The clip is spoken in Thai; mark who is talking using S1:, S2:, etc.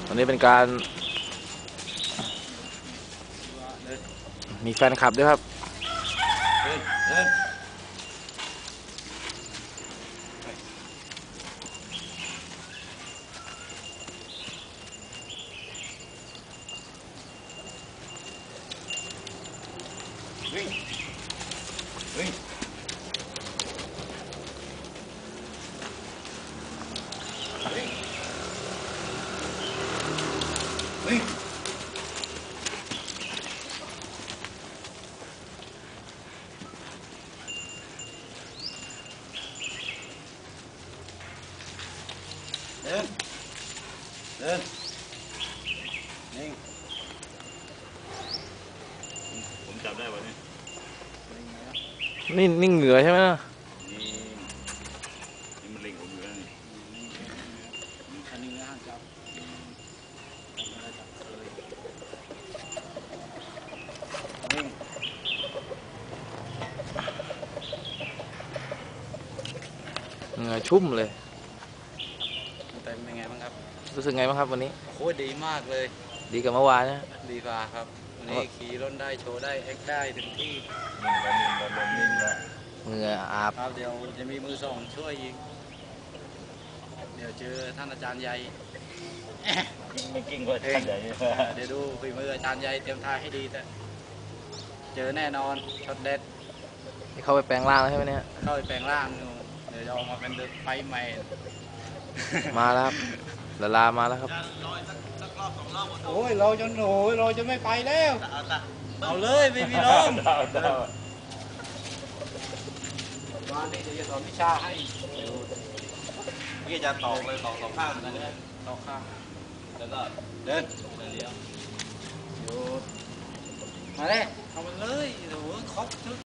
S1: วันนี้เป็นการมีแฟนคลับด้วยครับ
S2: วิ่งวิ่งวิ่งเดินเดินนิ่งผมจับได้ป่ะเนี่ย
S1: นี่เหงื่อใช่ไหมนะ
S2: นี่มันเล็งผมอยู่แล้วนี่อันนี้ห้ามจับนิ่ง
S1: เหงื่อชุ่มเลย
S2: แต่เป็นไงบ้างครับ
S1: รู้สึกไงบ้างครับวันนี้
S2: โคตรดีมากเลย
S1: ดีกว่าเมื่อวานนะ
S2: ดีกว่าครับวันนี้ขี่รถได้โชว์ได้แอคได้ถึงที่
S1: เหงื่ออาบ
S2: ครับเดี๋ยวจะมีมือส่งช่วยอีกเดี๋ยวเจอท่านอาจารย์ใหญ่
S3: ไม่กิ้งกว่าท่านใหญ่
S2: เดี๋ยวดูฝีมืออาจารย์ใหญ่เตรียมท่าให้ดีแต่เจอแน่นอนช็อตเด็ด
S1: นี่เข้าไปแปลงร่างแล้วใช่ไหมเนี่ย
S2: เข้าไปแปลงร่างอยู่เดี๋ยวจะออกมาเป็นไฟใหม่
S1: มาแล้วครับละลามาแล้วครับ
S2: โอ้ยเราจะโหยเราจะไม่ไปแล้วเอาเลยไม่มีน้องวันนี้จะสอนวิชาให้พี่จะตอกเลยตอกสองข้างนะเนี่ยตอกข้างแล้วก็เดินเลี้ยวหยุดมาเลยเอามันเลยโอ้โหครบชุด